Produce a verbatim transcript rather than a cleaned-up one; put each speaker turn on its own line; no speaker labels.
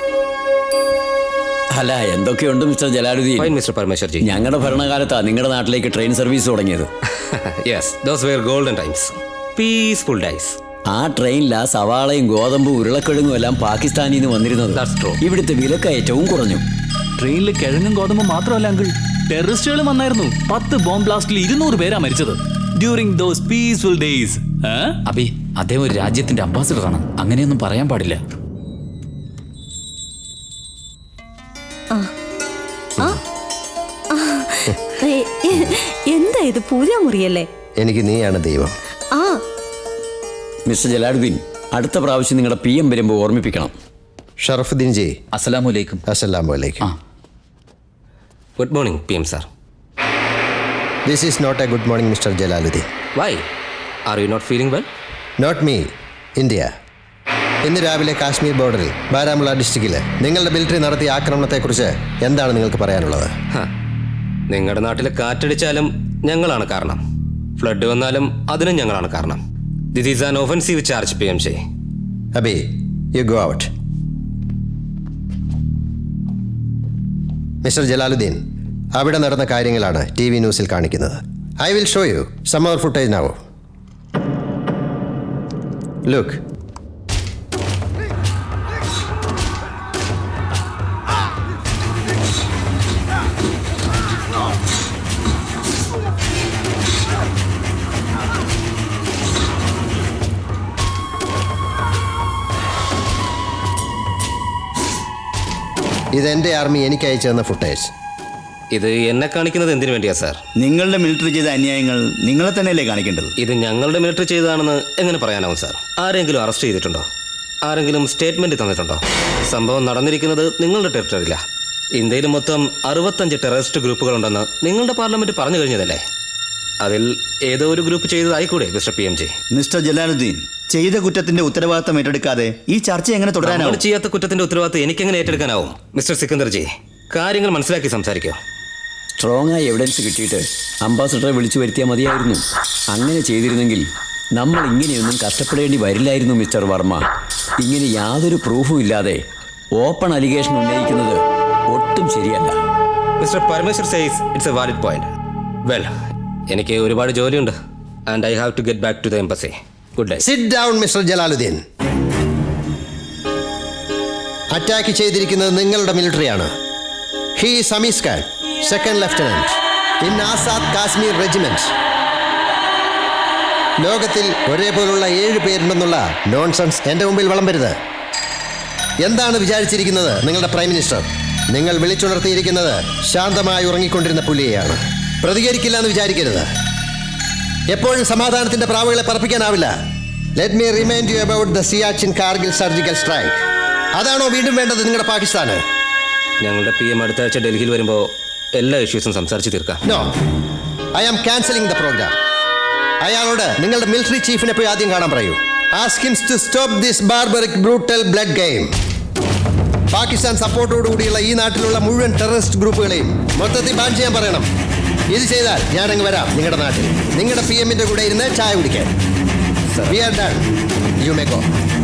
അല്ല, എന്തൊക്കെയുണ്ട് mister Jalaluddin?
Fine mister Parameshwarji.
ഞങ്ങളുടെ ഭരണകാലത്താണ് നിങ്ങളുടെ നാട്ടിലേക്ക് ട്രെയിൻ സർവീസ് തുടങ്ങിയത്.
Yes, those were golden times, peaceful days.
ആ ട്രെയിനിലാ സവാളയും ഗോതമ്പും ഉരുളക്കിഴങ്ങും എല്ലാം പാകിസ്ഥാനിൽ നിന്ന് വന്നിരുന്നത്. ഇവിടുത്തെ വിലക്കയറ്റവും കുറഞ്ഞു.
ട്രെയിനിൽ കിഴങ്ങും ഗോതമ്പും മാത്രമല്ല അങ്കിൾ, ടെററിസ്റ്റുകളും വന്നായിരുന്നു. പത്ത് ബോംബ് ബ്ലാസ്റ്റിൽ ഇരുന്നൂറ് പേരാ മരിച്ചത് during those peaceful days.
Abi, അദ്ദേഹം ഒരു രാജ്യത്തിന്റെ അംബാസിഡറാണ്, അങ്ങനെയൊന്നും പറയാൻ പാടില്ല.
എന്താ ഇത്, പൂജാമുറിയല്ലേ?
എനിക്ക് നീയാണ് ദൈവം.
ആ
മിസ്റ്റർ ജലാലുദ്ദീൻ, അടുത്ത പ്രാവശ്യം നിങ്ങളുടെ പി എം വരുമ്പോൾ ഓർമ്മിപ്പിക്കണം.
ഷറഫുദ്ദീൻ ജി,
അസ്സലാമു അലൈക്കും.
അസ്സലാമു അലൈക്കും.
Good morning P M sir.
This is not a good morning mister Jalaluddin.
Why are you not feeling well?
Not me, India. ഇന്ന് രാവിലെ കാശ്മീർ ബോർഡറിൽ ബാരാമുള്ള ഡിസ്ട്രിക്റ്റിൽ നിങ്ങളുടെ മിലിറ്ററി നടത്തിയ ആക്രമണത്തെക്കുറിച്ച് എന്താണ് നിങ്ങൾക്ക് പറയാനുള്ളത്?
നിങ്ങളുടെ നാട്ടിൽ കാറ്റടിച്ചാലും ഞങ്ങളാണ് കാരണം, ഫ്ലഡ് വന്നാലും അതിനും ഞങ്ങളാണ് കാരണം. This is an offensive charge P M J.
Abi, you go out. Mister Jalaluddin, അവിടെ നടന്ന കാര്യങ്ങളാണ് ടി വി ന്യൂസിൽ കാണിക്കുന്നത്. I will show you some more footage now. Look. ഇതെന്റെ ആർമി എനിക്ക് അയച്ചു തന്ന ഫുട്ടേജ്.
ഇത് എന്നെ കാണിക്കുന്നത് എന്തിനു വേണ്ടിയാ സാർ?
നിങ്ങളുടെ മിലിറ്ററി ചെയ്ത അന്യായങ്ങൾ നിങ്ങളെ തന്നെയല്ലേ കാണിക്കേണ്ടത്?
ഇത് ഞങ്ങളുടെ മിലിറ്ററി ചെയ്തതാണെന്ന് എങ്ങനെ പറയാനാവും സാർ? ആരെങ്കിലും അറസ്റ്റ് ചെയ്തിട്ടുണ്ടോ? ആരെങ്കിലും സ്റ്റേറ്റ്മെന്റ് തന്നിട്ടുണ്ടോ? സംഭവം നടന്നിരിക്കുന്നത് നിങ്ങളുടെ ടെറിട്ടറിയില്ല. ഇന്ത്യയിൽ മൊത്തം അറുപത്തഞ്ച് ടെററിസ്റ്റ് ഗ്രൂപ്പുകളുണ്ടെന്ന് നിങ്ങളുടെ പാർലമെന്റ് പറഞ്ഞു കഴിഞ്ഞതല്ലേ? അതിൽ ഏതോ ഒരു ഗ്രൂപ്പ് ചെയ്തതായിക്കൂടെ mister P M ji?
Mister Jalaluddin, ചെയ്ത കുറ്റത്തിന്റെ ഉത്തരവാദിത്തം ഏറ്റെടുക്കാതെ ഈ ചർച്ച എങ്ങനെ തുടരാനാവും?
ചെയ്യാത്ത കുറ്റത്തിന്റെ ഉത്തരവാദിത്തം എനിക്കെങ്ങനെ ഏറ്റെടുക്കാനാവും? മിസ്റ്റർ സിക്കന്ദർ ജി, കാര്യങ്ങൾ മനസ്സിലാക്കി സംസാരിക്കോ.
സ്ട്രോങ് ആയി എവിഡൻസ് കിട്ടിയിട്ട് അംബാസഡറെ വിളിച്ചു വരുത്തിയാൽ മതിയായിരുന്നു. അങ്ങനെ ചെയ്തിരുന്നെങ്കിൽ നമ്മൾ ഇങ്ങനെയൊന്നും കഷ്ടപ്പെടേണ്ടി വരില്ലായിരുന്നു മിസ്റ്റർ വർമ്മ. ഇങ്ങനെ യാതൊരു പ്രൂഫും ഇല്ലാതെ ഓപ്പൺ അലിഗേഷൻ ഉന്നയിക്കുന്നത് ഒട്ടും ശരിയല്ല.
Mister Parameshwar says it's a valid point. Well, എനിക്ക് ഒരുപാട് ജോലിയുണ്ട് and I have to get back to the embassy. Good day.
Sit down mister Jalaluddin. Attack ചെയ്തിരിക്കുന്നത് നിങ്ങളുടെ മിലിറ്ററിയാണ്. He is Samees Khan, second lieutenant in Azad Kashmir regiment. ലോകത്തിൽ ഒരേപോലുള്ള ഏഴ് പേരുണ്ടെന്നുള്ള നോൺസെൻസ് എൻ്റെ മുമ്പിൽ വിളമ്പരുത്. എന്താണ് വിചാരിച്ചിരിക്കുന്നത് നിങ്ങളുടെ പ്രൈം മിനിസ്റ്റർ? നിങ്ങൾ വിളിച്ചുണർത്തിയിരിക്കുന്നത് ശാന്തമായി ഉറങ്ങിക്കൊണ്ടിരുന്ന പുലിയെയാണ്. പ്രതികരിക്കില്ല എന്ന് വിചാരിക്കരുത്. എപ്പോഴും സമാധാനത്തിന്റെ പ്രാവുകളെ പറപ്പിക്കാനാവില്ല. Let me remind you about the Siachen Kargil surgical strike. അതാണോ വീണ്ടും വേണ്ടത് നിങ്ങളുടെ പാകിസ്ഥാന്?
ഞങ്ങളുടെ പി എം അടുത്ത ആഴ്ച ഡൽഹിയിൽ വരുമ്പോൾ എല്ലാ ഇഷ്യൂസും സംസാരിച്ച് തീർക്കാം.
No, I am cancelling the programme. അയാളോട് നിങ്ങളുടെ മിലിറ്ററി ചീഫിനെ പോയി ആദ്യം കാണാൻ പറയൂ. Ask him to stop this barbaric brutal blood game. Pakistan സപ്പോർട്ടോടുകൂടിയുള്ള ഈ നാട്ടിലുള്ള മുഴുവൻ ടെററിസ്റ്റ് ഗ്രൂപ്പുകളെയും മൊത്തത്തിൽ ബാൻ ചെയ്യാൻ പറയണം. ഇത് ചെയ്താൽ ഞാനങ്ങ് വരാം നിങ്ങളുടെ നാട്ടിൽ, നിങ്ങളുടെ പി എമ്മിന്റെ കൂടെ ഇരുന്ന് ചായ കുടിക്കാൻ. We are done. You may go.